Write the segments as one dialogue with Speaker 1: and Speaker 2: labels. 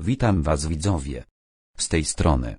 Speaker 1: Witam was widzowie. Z tej strony.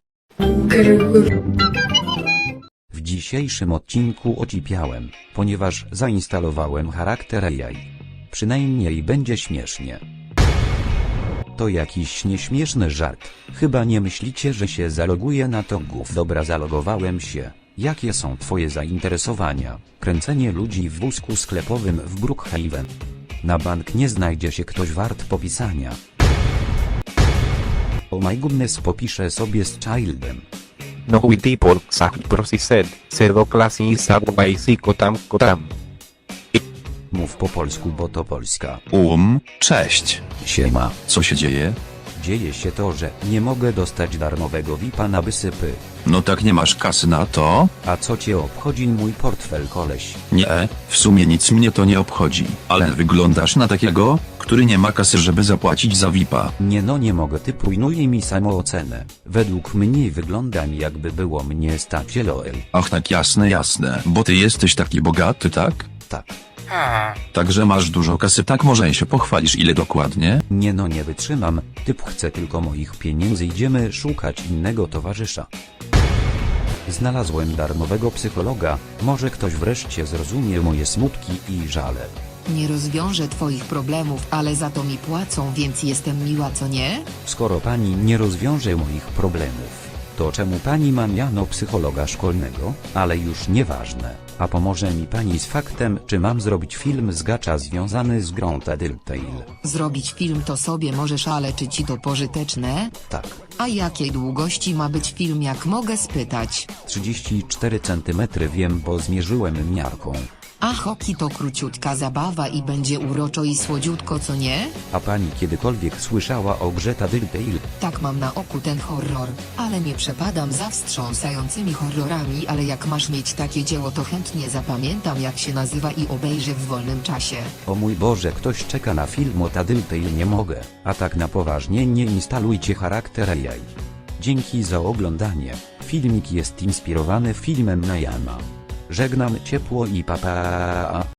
Speaker 1: W dzisiejszym odcinku ocipiałem, ponieważ zainstalowałem charakter AI. Przynajmniej będzie śmiesznie. To jakiś nieśmieszny żart. Chyba nie myślicie, że się zaloguję na to gów. Dobra, zalogowałem się. Jakie są twoje zainteresowania? Kręcenie ludzi w wózku sklepowym w Brookhaven. Na bank nie znajdzie się ktoś wart popisania. Oh my goodness, popiszę sobie z Childem.
Speaker 2: No witty pork sack processed, cerdo classy sabwajsi kotam.
Speaker 1: Mów po polsku, bo to Polska.
Speaker 3: Cześć.
Speaker 1: Siema.
Speaker 3: Co się dzieje?
Speaker 1: Dzieje się to, że nie mogę dostać darmowego VIP-a na wysypy.
Speaker 3: No tak, nie masz kasy na to?
Speaker 1: A co cię obchodzi mój portfel, koleś?
Speaker 3: Nie, w sumie nic mnie to nie obchodzi. Ale wyglądasz na takiego, który nie ma kasy, żeby zapłacić za VIP-a.
Speaker 1: Nie no, nie mogę, ty prójnuje mi samoocenę. Według mnie wyglądam, jakby było mnie stać, LOL.
Speaker 3: Ach tak, jasne, bo ty jesteś taki bogaty, tak?
Speaker 1: Tak.
Speaker 3: Także masz dużo kasy, tak, może się pochwalisz, ile dokładnie?
Speaker 1: Nie no, nie wytrzymam, typ chce tylko moich pieniędzy, idziemy szukać innego towarzysza. Znalazłem darmowego psychologa, może ktoś wreszcie zrozumie moje smutki i żale.
Speaker 4: Nie rozwiążę twoich problemów, ale za to mi płacą, więc jestem miła, co nie?
Speaker 1: Skoro pani nie rozwiąże moich problemów, to czemu pani ma miano psychologa szkolnego? Ale już nieważne. A pomoże mi pani z faktem, czy mam zrobić film z gacza związany z grą Telltale?
Speaker 4: Zrobić film to sobie możesz, ale czy ci to pożyteczne?
Speaker 1: Tak.
Speaker 4: A jakiej długości ma być film, jak mogę spytać?
Speaker 1: 34 cm, wiem, bo zmierzyłem miarką.
Speaker 4: A hoki to króciutka zabawa i będzie uroczo i słodziutko, co nie?
Speaker 1: A pani kiedykolwiek słyszała o grze Telltale?
Speaker 4: Tak, mam na oku ten horror, ale nie przepadam za wstrząsającymi horrorami, ale jak masz mieć takie dzieło, to chętnie zapamiętam, jak się nazywa i obejrzę w wolnym czasie.
Speaker 1: O mój Boże, ktoś czeka na film o Telltale, nie mogę. A tak na poważnie, nie instalujcie charakter AI. Dzięki za oglądanie. Filmik jest inspirowany filmem Najama. Żegnam ciepło i pa pa.